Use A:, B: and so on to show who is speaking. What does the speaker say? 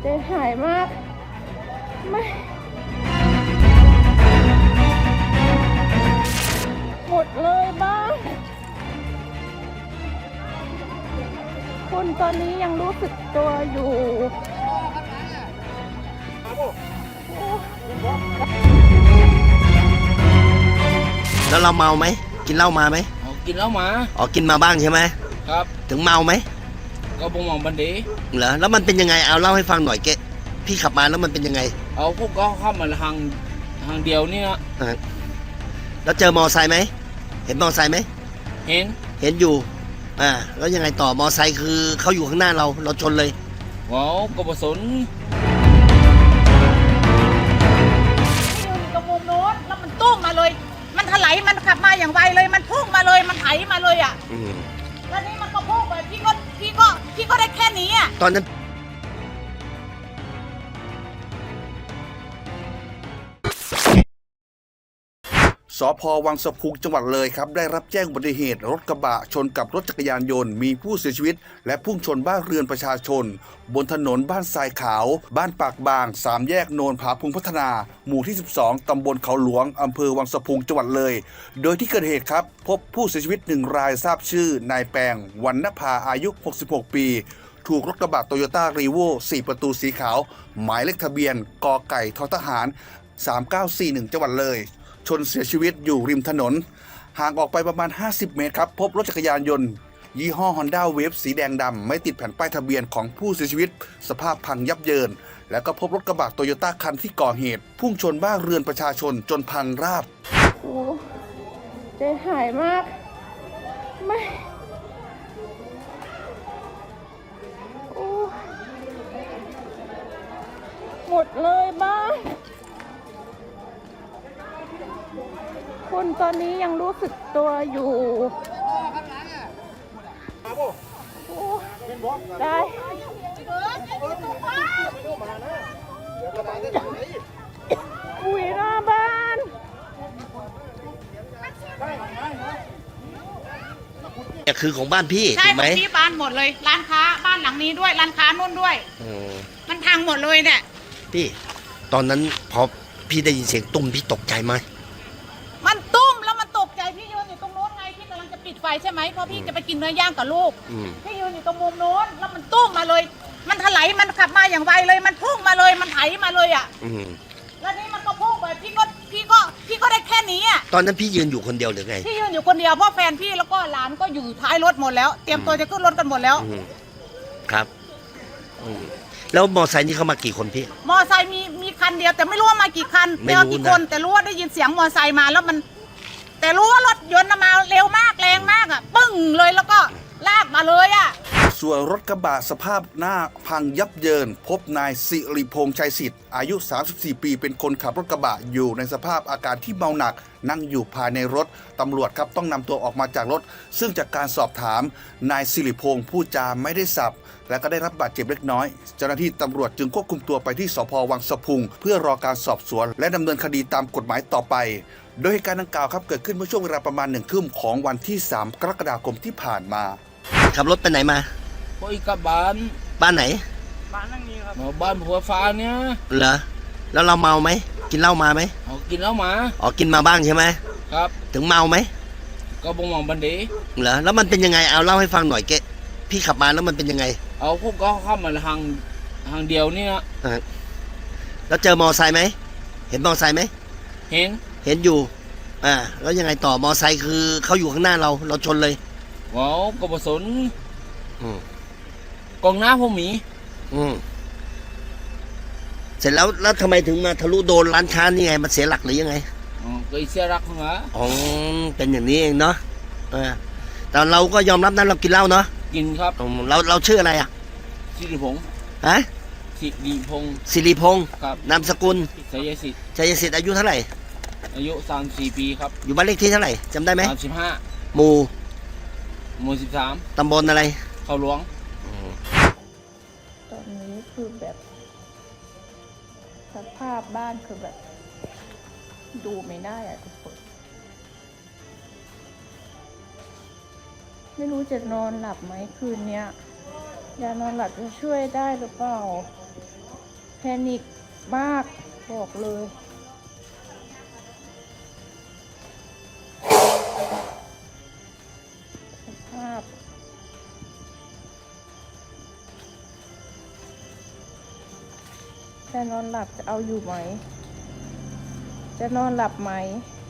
A: ใจหายมากไม่หมดเลยบ้างคุณตอนนี้ยังรู้สึกตัวอยู่
B: แล้วเราเมาไหมกินเหล้ามาไหม
C: กินแล้วมา
B: อ๋อกินมาบ้างใช่ไหม
C: ครับ
B: ถึงเมาไหม
C: ก็บ่มองบันดี
B: เหรอแล้วมันเป็นยังไงเอาเล่าให้ฟังหน่อยพี่ขับมาแล้วมันเป็นยังไง
C: เอาพวกก็เข้ามาทางเดียวนี่นะ
B: แล้วเจอมอไซค์ไหมเห็นมอไซค์ไหม
C: เห็น
B: อยู่แล้วยังไงต่อมอไซค์คือเขาอยู่ข้างหน้าเราชนเลย
C: ว้าวก็บ่สน
A: ตรงมุมโน้นแล้วมันตุ้มมาเลยมันถลายมันขับมาอย่างไวเลยมันพุ่งมาเลยมันไถมาเลยอ่ะแล้วนี่มันก็พุ่งไปพี่ก็ได้แค่นี้อ่ะ
B: ตอนนั้น
D: สภ.วังสะพุงจังหวัดเลยครับได้รับแจ้งอุบัติเหตุรถกระบะชนกับรถจักรยานยนต์มีผู้เสียชีวิตและพุ่งชนบ้านเรือนประชาชนบนถนนบ้านทรายขาวบ้านปากบาง3แยกโนนผาพุงพัฒนาหมู่ที่12ตำบลเขาหลวงอำเภอวังสะพุงจังหวัดเลยโดยที่เกิดเหตุครับพบผู้เสียชีวิต1รายทราบชื่อนายแปงวรรณภาอายุ66ปีถูกรถกระบะโตโยต้ารีโว4ประตูสีขาวหมายเลขทะเบียนกไก่ททหาร3941จังหวัดเลยชนเสียชีวิตอยู่ริมถนนห่างออกไปประมาณ50เมตรครับพบรถจักรยานยนต์ยี่ห้อ Honda Wave สีแดงดำไม่ติดแผ่นป้ายทะเบียนของผู้เสียชีวิตสภาพพังยับเยินแล้วก็พบรถกระบะโตโยต้าคันที่ก่อเหตุพุ่งชนบ้านเรือนประชาชนจนพังราบ
A: โอ้ใจหายมากไม่โอ้หมดเลยบ้างคุณตอนนี้ยังรู้สึกตัวอยู่ได้อุ้ยหน้าบ้าน
B: เนี่ยคือของบ้านพี่
A: ใช่
B: ถูกไหม
A: ที่บ้านหมดเลยร้านค้าบ้านหลังนี้ด้วยร้านค้านู่นด้วยมันพังหมดเลยเนี่ย
B: พี่ตอนนั้นพอพี่ได้ยินเสียงตุ้มพี่ตกใจไหม
A: มันตุ้มแล้วมันตกใจพี่ยืนอยู่ตรงโน้นไงที่กำลังจะปิดไฟใช่ไหมเพราะพี่จะไปกินเนื้อย่างกับลูกพี่ยืนอยู่ตรงมุมโน้นแล้วมันตุ้มมาเลยมันถลายมันขับมาอย่างไวเลยมันพุ่งมาเลยมันไถมาเลยอ่ะแล้วนี่มันก็พุ่งไปพี่ก็ได้แค่นี้อ่ะ
B: ตอนนั้นพี่ยืนอยู่คนเดียวหรือไง
A: พี่ยืนอยู่คนเดียวเพราะแฟนพี่แล้วก็หลานก็อยู่ท้ายรถหมดแล้วเตรียมตัวจะขึ้นรถกันหมดแล้ว
B: ครับแล้วมอไซค์นี่เขามากี่คนพี่
A: มอไซค์มีคันเดียวแต่ไม่รู้ว่ามากี่คันไม่รู้กี่คนแต่รู้ว่าได้ยินเสียงมอไซค์มาแล้วมันแต่รู้ว่ารถยนต์มาเร็วมากแรงมากอ่ะปึ้งเลยแล้วก็ลากมาเลยอ่ะ
D: ส่วนรถกระบะสภาพหน้าพังยับเยินพบนายสิริพงษ์ชัยสิทธิ์อายุ34ปีเป็นคนขับรถกระบะอยู่ในสภาพอาการที่เมาหนักนั่งอยู่ภายในรถตำรวจครับต้องนำตัวออกมาจากรถซึ่งจากการสอบถามนายสิริพงษ์พูดจาไม่ได้สับและก็ได้รับบาดเจ็บเล็กน้อยเจ้าหน้าที่ตำรวจจึงควบคุมตัวไปที่สภ.วังสะพุงเพื่อรอการสอบสวนและดำเนินคดีตามกฎหมายต่อไปโดยเหตุการณ์ดังกล่าวครับเกิดขึ้นเมื่อช่วงเวลาประมาณ1 ทุ่มของวันที่3กรกฎาคมที่ผ่านมา
B: ขับรถไปไหนมา
C: ไปกับบ้าน
B: ไหน
C: บ้านนั่งนี้ครับบ้านหัวฟ้าเนี่ย
B: เหรอแล้วเราเมาไหมกินเหล้ามาไหม
C: กินแล้วมา
B: อ๋อกินมาบ้างใช่ไหม
C: ครับ
B: ถึงเมาไหม
C: ก็บ่มองบันดี
B: เหรอแล้วมันเป็นยังไงเอาเล่าให้ฟังหน่อยพี่ขับมาแล้วมันเป็นยังไง
C: เอาพวกก็เข้ามาทางเดียวนี่นะ
B: แล้วเจอมอไซค์ไหมเห็นมอไซค์ไหม
C: เ
B: ห็นอยู่แล้วยังไงต่อมอไซค์คือเขาอยู่ข้างหน้าเราชนเลย
C: ว้าวก็บ่สนกองหน้าพวกหมี
B: เสร็จแล้วทำไมถึงมาทะลุโดนร้านค้านี่ไงมันเสียหลักหรือยังไง
C: ก็เสียหลักเหรอ
B: เป็นอย่างนี้เองเนาะแต่เราก็ยอมรับนั้นเรากินเหล้าเนาะ
C: กินครับ
B: เราชื่ออะไรอ่ะ
C: สิริพงษ์สิ
B: ริพงษ์
C: ครับ
B: นามสกุล
C: ชัยสิท
B: ธิ์อายุเท่าไหร่
C: อายุ34ปีครับ
B: อยู่บ้านเลขที่เท่าไหร่จำได้ไหม
C: 35
B: หมู่
C: 13
B: ตำบลอะไร
C: เขาหลวง
A: ตอนนี้คือแบบสภาพบ้านคือแบบดูไม่ได้อะทุกคนไม่รู้จะนอนหลับไหมคืนเนี้ยยานอนหลับจะช่วยได้หรือเปล่า
E: นิคมากบอกเลยสภาพแต่นอนหลับจะเอาอยู่ไหม จะนอนหลับไหม